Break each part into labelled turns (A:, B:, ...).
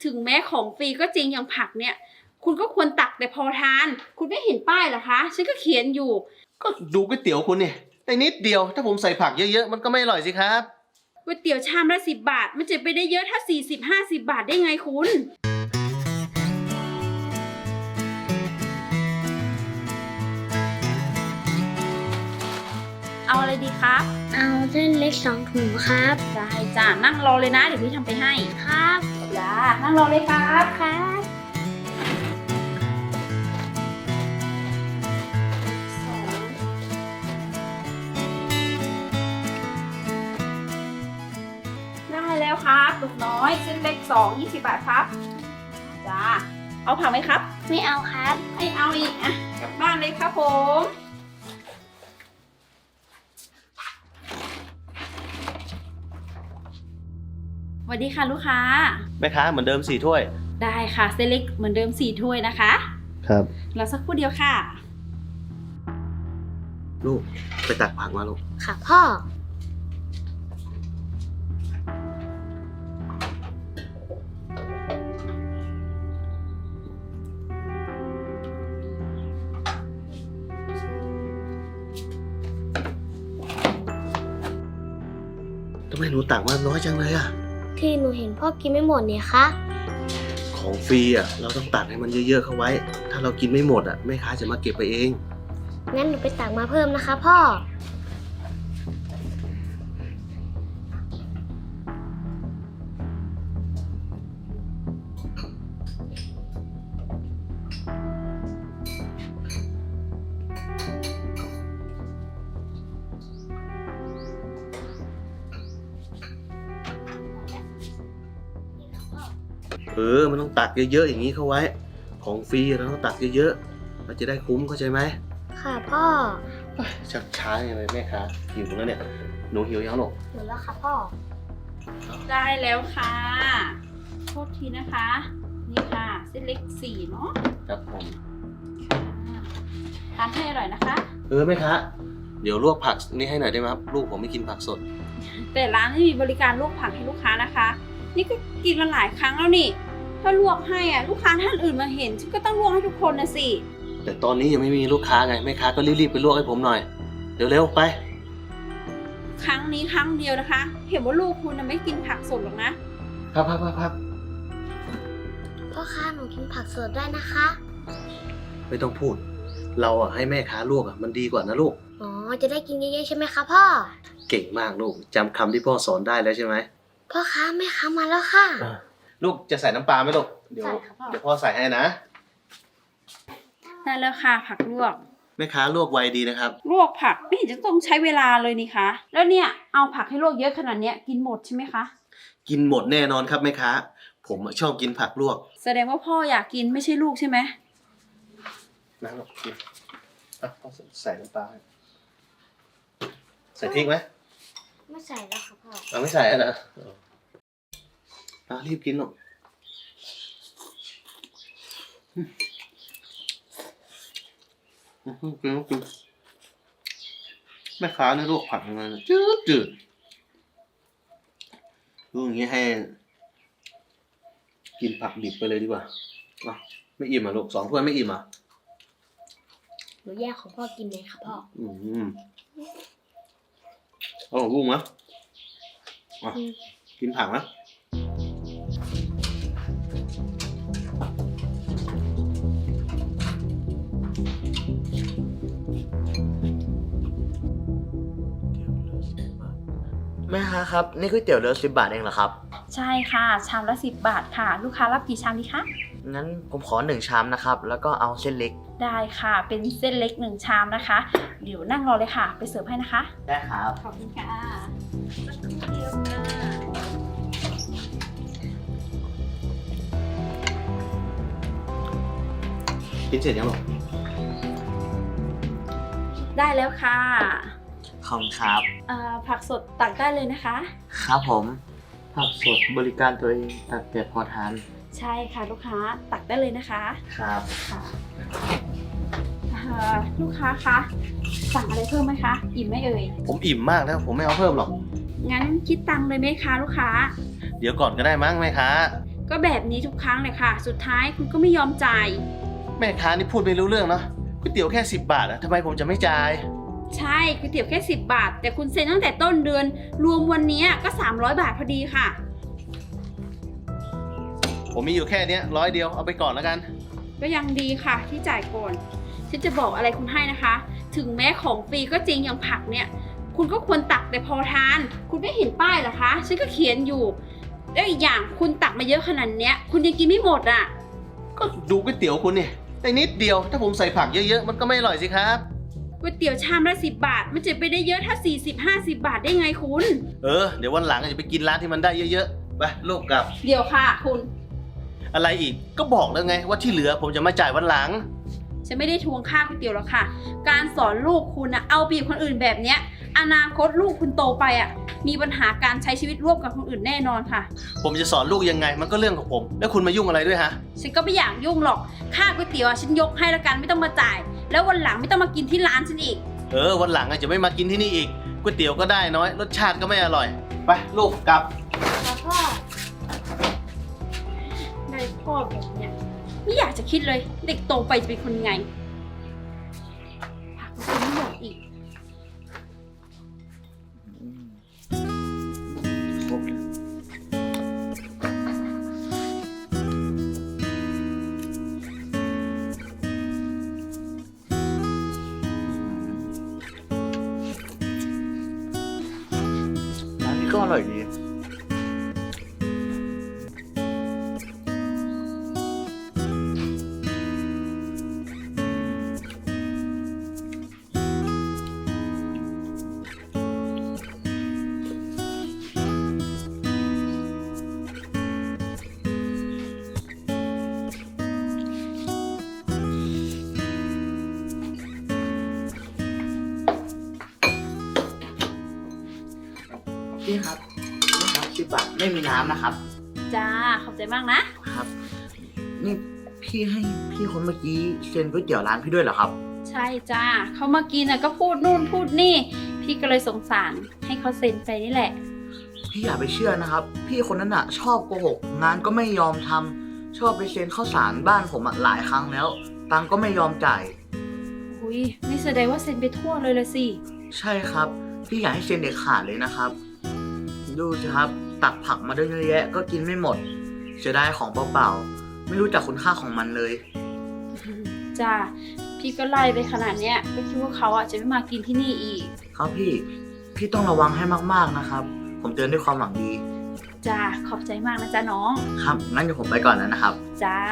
A: ถึงแม้ของฟรีก็จริงอย่างผักเนี่ย คุณก็ควรตักแต่พอทาน คุณไม่เห็นป้ายเหรอคะฉันก็เขียนอยู่
B: ก็ดูก๋วยเตี๋ยวคุณเนี่ยได้นิดเดียวถ้าผมใส่ผักเยอะๆมันก็ไม่อร่อยสิครับ
A: ก๋วยเตี๋ยวชามละ10 บาทมันจะไปได้เยอะถ้า40-50 บาทได้ไงคุณเอาอะไรดีครับ
C: เอาเส้นเล็ก2 ถุงครับ
A: ได้จ้านั่งรอเลยนะเดี๋ยวพี่ทำไปให้
C: ครับ
A: จ้านั่งรอเลยครับ
C: ครับ
A: ได้แล้วครับลูกน้อยเส้นเล็ก2 20 บาทครับจ้าเอาผักไหมครับ
C: ไม่เอาครับ
A: ไม่เอาอีกอ่ะกลับบ้านเลยครับผมสวัสดีค่ะลูกค้า
B: แม่ค้าเหมือนเดิม4 ถ้วย
A: ได้ค่ะเส้นเล็กเหมือนเดิม4 ถ้วยนะคะ
B: ครับ
A: รอสักครู่เดียวค่ะ
B: ลูกไปตักผักมาลูก
C: ค่ะพ่อ
B: ทำไมหนูตักมาน้อยจังเลยอะ
C: ที่หนูเห็นพ่อกินไม่หมดเนี่ยคะ
B: ของฟรีอะเราต้องตักให้มันเยอะๆเข้าไว้ถ้าเรากินไม่หมดอะแม่ค้าจะมาเก็บไปเอง
C: งั้นหนูไปตักมาเพิ่มนะคะพ่อ
B: มันต้องตักเยอะๆอย่างนี้เข้าไว้ของฟรีเราต้องตักเยอะๆมันจะได้คุ้มเข้าใจไหม
C: ค่ะพ่อ
B: ชักช้าอย่างไรแม่ค้าหิวแล้วเนี่ยหนูหิวยังหรอ
C: หิวแล้วค่ะพ่อ
A: ได้แล้วค่ะโทษทีนะคะนี่ค่ะเส้นเล็ก4เนาะ
B: ครับผม
A: ทานให้อร่อยนะคะ
B: แม่ค้าเดี๋ยวลวกผักนี่ให้หน่อยได้ไหมครับลูกผมไม่กินผักสด
A: แต่ร้านไม่มีบริการลวกผักให้ลูกค้านะคะนี่ก็กินมาหลายครั้งแล้วนี่ถ้าลวกให้ลูกค้าท่านอื่นมาเห็นฉันก็ต้องลวกให้ทุกคนนะสิ
B: แต่ตอนนี้ยังไม่มีลูกค้าไงแม่ค้าก็รีบๆไปลวกให้ผมหน่อยเร็วๆไป
A: ครั้งนี้ครั้งเดียวนะคะเห็นว่าลูกคุณไม่กินผักสดหรอกนะครับ
C: พ่อค้าหนูกินผักสดได้นะคะ
B: ไม่ต้องพูดเราให้แม่ค้าลวกมันดีกว่านะลูก
C: อ๋อจะได้กินเยอะๆใช่ไหมคะพ่อ
B: เก่งมากลูกจำคำที่พ่อสอนได้แล้วใช่ไหม
C: พ่อค้าแม่ค้ามาแล้วค่ะ
B: ลูกจะใส่น้ำปลาไหมลูกเดี๋ยวพ่อใส่ให้นะ
A: ได้แล้วค่ะผักลวก
B: แม่ค้าลวกไวดีนะครับ
A: ลวกผักไม่เห็นจะต้องใช้เวลาเลยนี่คะแล้วเนี่ยเอาผักให้ลวกเยอะขนาดนี้กินหมดใช่ไหมคะ
B: กินหมดแน่นอนครับแม่ค้าผมชอบกินผักลวก
A: แสดงว่าพ่ออยากกินไม่ใช่ลูกใช่ไหม
B: นะลูกกินพ่อใส่น้ำปลาใส่พริกไหม
C: ไม่ใส่แล้วค่ะพ่อ
B: เราไม่ใส่แล้วรีบกินหรอกกินแม่ค้าเนี่ยลวกผักยังไงจืดดูอย่างนี้ให้กินผักดิบไปเลยดีกว่าไม่อิ่มลูก2 ถ้วยไม่อิ่ม
C: หนูแยกของพ่อกินเลยค่ะพ่อ
B: ลูกมั้ยกินผักนะ
D: แม่ค้าครับนี่ก๋วยเตี๋ยวเรือ10 บาทเองเหรอครับ
A: ใช่ค่ะชามละ10 บาทค่ะลูกค้ารับกี่ชามดีคะ
D: งั้นผมขอ1 ชามนะครับแล้วก็เอาเส้นเล็ก
A: ได้ค่ะเป็นเส้นเล็ก1 ชามนะคะเดี๋ยวนั่งรอเลยค่ะไปเสิร์ฟให้นะคะ
D: ได้ครับ
A: ขอบคุณค่ะสักครู่เดียวค่ะ
B: กินเสร็จยังหรอ
A: ได้แล้วค่ะ
D: ขอบคุณครับ
A: ผักสดตักได้เลยนะคะ
D: ครับผมผักสดบริการตัวเองตักแต่พอทาน
A: ใช่ค่ะลูกค้าตักได้เลยนะคะ
D: ครับ
A: ค่ะลูกค้าคะสั่งอะไรเพิ่มไหมคะอิ่มไหมเอ่ย
B: ผมอิ่มมากแล้วผมไม่เอาเพิ่มหรอก
A: งั้นคิดตังค์เลยไหมคะลูกค้า
B: เดี๋ยวก่อนก็ได้มั้งแม่ค้า
A: ก็แบบนี้ทุกครั้งเลยค่ะ สุดท้ายคุณก็ไม่ยอมจ่าย
B: แม่ค้านี่พูดไม่รู้เรื่องเนาะก๋วยเตี๋ยวแค่10 บาทอะทำไมผมจะไม่จ่าย
A: ใช่ก๋วยเตี๋ยวแค่10 บาท แต่คุณเซ็นตั้งแต่ต้นเดือน รวมวันนี้ก็300 บาทพอดีค่ะ
B: ผมมีอยู่แค่เนี้ย100 เดียวเอาไปก่อนแล้วกัน
A: ก็ยังดีค่ะที่จ่ายก่อน ฉันจะบอกอะไรคุณให้นะคะ ถึงแม้ของฟรีก็จริงอย่างผักเนี่ย คุณก็ควรตักแต่พอทาน คุณไม่เห็นป้ายเหรอคะ ฉันก็เขียนอยู่ แล้วอีกอย่างคุณตักมาเยอะขนาดเนี้ย คุณยังกินไม่หมดอ่ะ
B: ก็ดูก๋วยเตี๋ยวคุณนี่ได้นิดเดียว ถ้าผมใส่ผักเยอะๆมันก็ไม่อร่อยสิครับ
A: ก๋วยเตี๋ยวชามละ10 บาท มันจะไปได้เยอะถ้า40-50 บาทได้ไงคุณ
B: เดี๋ยววันหลังจะไปกินร้านที่มันได้เยอะๆไปลูกกลับ
A: เดี๋ยวค่ะคุณ
B: อะไรอีกก็บอกแล้วไงว่าที่เหลือผมจะมาจ่ายวันหลัง
A: ฉันไม่ได้ทวงค่าก๋วยเตี๋ยวหรอกค่ะ การสอนลูกคุณนะเอาเปรียบคนอื่นแบบเนี้ย อนาคตลูกคุณโตไปอ่ะ มีปัญหาการใช้ชีวิตร่วมกับคนอื่นแน่นอนค่ะ
B: ผมจะสอนลูกยังไงมันก็เรื่องของผม แล้วคุณมายุ่งอะไรด้วยฮะ
A: ฉันก็ไม่อยากยุ่งหรอก ค่าก๋วยเตี๋ยวอะฉันยกให้ละกันไม่ต้องมาจ่าย แล้ววันหลังไม่ต้องมากินที่ร้านฉันอีก
B: วันหลังจะไม่มากินที่นี่อีกก๋วยเตี๋ยวก็ได้น้อยรสชาติก็ไม่อร่อยไปลูกกลับ
A: แล้วพ่อได้พ่อแบบเนี้ยไม่อยากจะคิดเลย เด็กโตไปจะเป็นคนยังไงผักมันไม่หมดอีก
D: ร้านนี้ก็อร่อยดี พี่ครับนี่ครับ10 บาทไม่มีน้ำนะครับ
A: จ้า ขอบใจมากนะ
D: ครับ นี่พี่ให้พี่คนเมื่อกี้เซ็นก๋วยเตี๋ยวร้านพี่ด้วยเหรอครับ
A: ใช่จ้า เขามากินก็พูดนู่นพูดนี่ พี่ก็เลยสงสารให้เขาเซ็นไปนี่แหละ
D: พี่อย่าไปเชื่อนะครับ พี่คนนั้นชอบโกหกงานก็ไม่ยอมทำชอบไปเซ็นข้าวสารบ้านผมหลายครั้งแล้ว ตังค์ก็ไม่ยอมจ่าย
A: อุ้ยนี่แสดงว่าเซ็นไปทั่วเลยละสิ
D: ใช่ครับ พี่อยากให้เซ็นเด็ดขาดเลยนะครับ ดูสิครับ ตักผักมาได้เยอะแยะก็กินไม่หมดเสียดายของเปล่าๆไม่รู้จักคุณค่าของมันเลย
A: จ้า พี่ก็ไล่ไปขนาดเนี้ยก็คิดว่าเขาจะไม่มากินที่นี่อีก
D: ครับพี่ต้องระวังให้มากๆนะครับ ผมเตือนด้วยความหวังดี
A: จ้า ขอบใจมากนะจ้าน้อง
D: ครับงั้นเดี๋ยวผมไปก่อนแล้วนะครับ
A: จ้า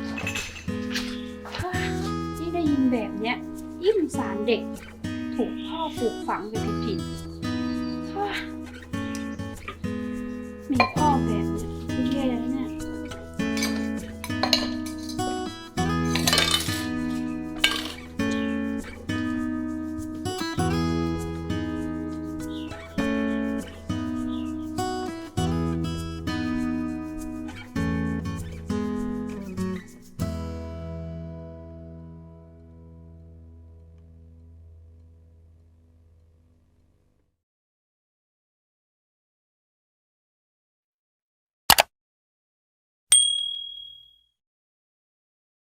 A: เฮ้ยนี่ได้ยินแบบเนี้ยยิ่งสงสารเด็ก ถูกพ่อปลูกฝังไปผิดๆเฮ้ยมีพ่อแบบ